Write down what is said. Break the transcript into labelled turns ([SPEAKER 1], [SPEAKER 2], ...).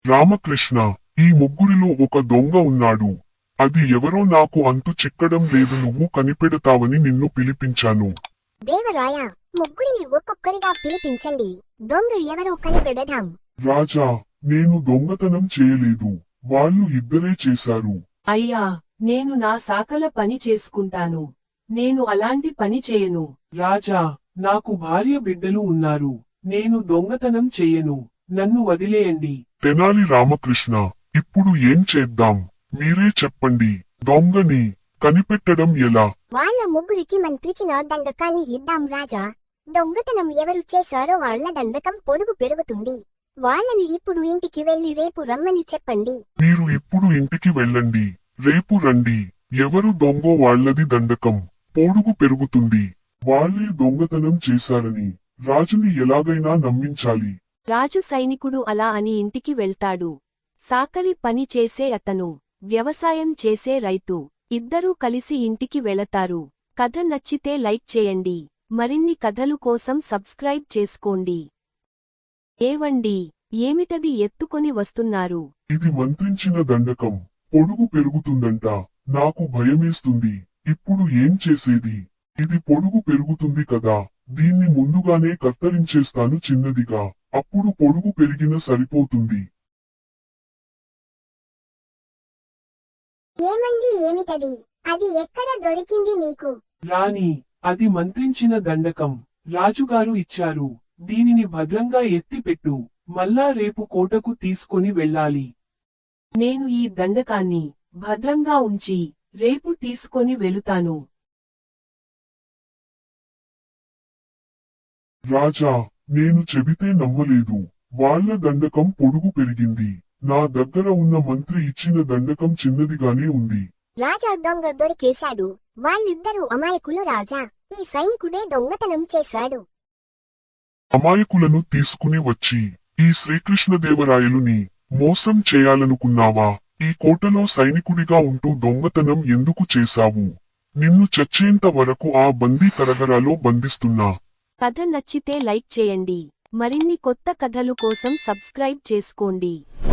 [SPEAKER 1] రామకృష్ణ, ఈ ముగ్గురిలో ఒక దొంగ ఉన్నాడు. అది ఎవరో నాకు అంతు చిక్కడం లేదు. నువ్వు కనిపెడతావని నిన్ను పిలిపించాను.
[SPEAKER 2] దేవరాయ, ముగ్గురిని ఒక్కొక్కరిగా పిలిపించండి. దొంగ ఎవరో కనిపెడదాం.
[SPEAKER 1] రాజా, నేను దొంగతనం చేయలేదు. వాళ్ళు ఇద్దరే చేశారు.
[SPEAKER 3] అయ్యా, నేను నా సాకల పని చేసుకుంటాను. నేను అలాంటి పని చేయను.
[SPEAKER 4] రాజా, నాకు భార్య బిడ్డలు ఉన్నారు. నేను దొంగతనం చెయ్యను. నన్ను వదిలేయండి.
[SPEAKER 1] తెనాలి రామకృష్ణ, ఇప్పుడు ఏం చేద్దాం? మీరే చెప్పండి. దొంగని కనిపెట్టడం ఎలా?
[SPEAKER 2] వాళ్ళ ముగ్గురికి మంత్రిచిన దండకాన్ని ఇద్దాం రాజా. దొంగతనం ఎవరు చేశారో వాళ్ళ దండకం పొడుగు పెరుగుతుంది. వాళ్ళని ఇప్పుడు ఇంటికి వెళ్లి రేపు రమ్మని చెప్పండి.
[SPEAKER 1] మీరు ఇప్పుడు ఇంటికి వెళ్ళండి. రేపు రండి. ఎవరు దొంగో వాళ్ళది దండకం పొడుగు పెరుగుతుంది. వాళ్ళే దొంగతనం చేశారని రాజుని ఎలాగైనా నమ్మించాలి.
[SPEAKER 3] రాజు సైనికుడు అలా అని ఇంటికి వెళ్తాడు. సాకలి పని చేసే అతను, వ్యవసాయం చేసే రైతు ఇద్దరూ కలిసి ఇంటికి వెళతారు. కథ నచ్చితే లైక్ చేయండి. మరిన్ని కథలు కోసం సబ్స్క్రైబ్ చేసుకోండి. ఏవండి, ఏమిటది ఎత్తుకొని వస్తున్నారు?
[SPEAKER 1] ఇది మంత్రించిన దండకం పొడుగు పెరుగుతుందంట. నాకు భయమేస్తుంది. ఇప్పుడు ఏం చేసేది? ఇది పొడుగు పెరుగుతుంది కదా. దీన్ని ముందుగానే కత్తరించేస్తాను చిన్నదిగా. అప్పుడు పొడుగు పెరిగిన సరిపోతుంది.
[SPEAKER 2] ఏమండి, ఏమిటది? అది ఎక్కడ దొరికింది నీకు?
[SPEAKER 4] రాణి, అది మంత్రించిన దండకం. రాజుగారు ఇచ్చారు. దీనిని భద్రంగా ఎత్తిపెట్టు. మళ్ళా రేపు కోటకు తీసుకొని వెళ్ళాలి.
[SPEAKER 3] నేను ఈ దండకాన్ని భద్రంగా ఉంచి రేపు తీసుకొని వెళుతాను.
[SPEAKER 1] రాజా, నేను చెబితే నమ్మలేదు. వాళ్ళ దండకం పొడుగు పెరిగింది. నా దగ్గర ఉన్న మంత్రి ఇచ్చిన దండకం చిన్నదిగానే ఉంది.
[SPEAKER 2] రాజా, దొంగ దొరికేశాడు. వాళ్ళిద్దరూ అమాయకులు రాజా. ఈ సైనికుడే దొంగతనం చేశాడు.
[SPEAKER 1] అమాయకులను తీసుకుని వచ్చి ఈ శ్రీకృష్ణదేవరాయలుని మోసం చేయాలనుకున్నావా? ఈ కోటలో సైనికుడిగా ఉంటూ దొంగతనం ఎందుకు చేశావు? నిన్ను చచ్చేంత వరకు ఆ బందీ కరగరాలో బంధిస్తున్నా.
[SPEAKER 3] కథ నచ్చితే లైక్ చేయండి. మరిన్ని కొత్త కథలు కోసం సబ్స్క్రైబ్ చేసుకోండి.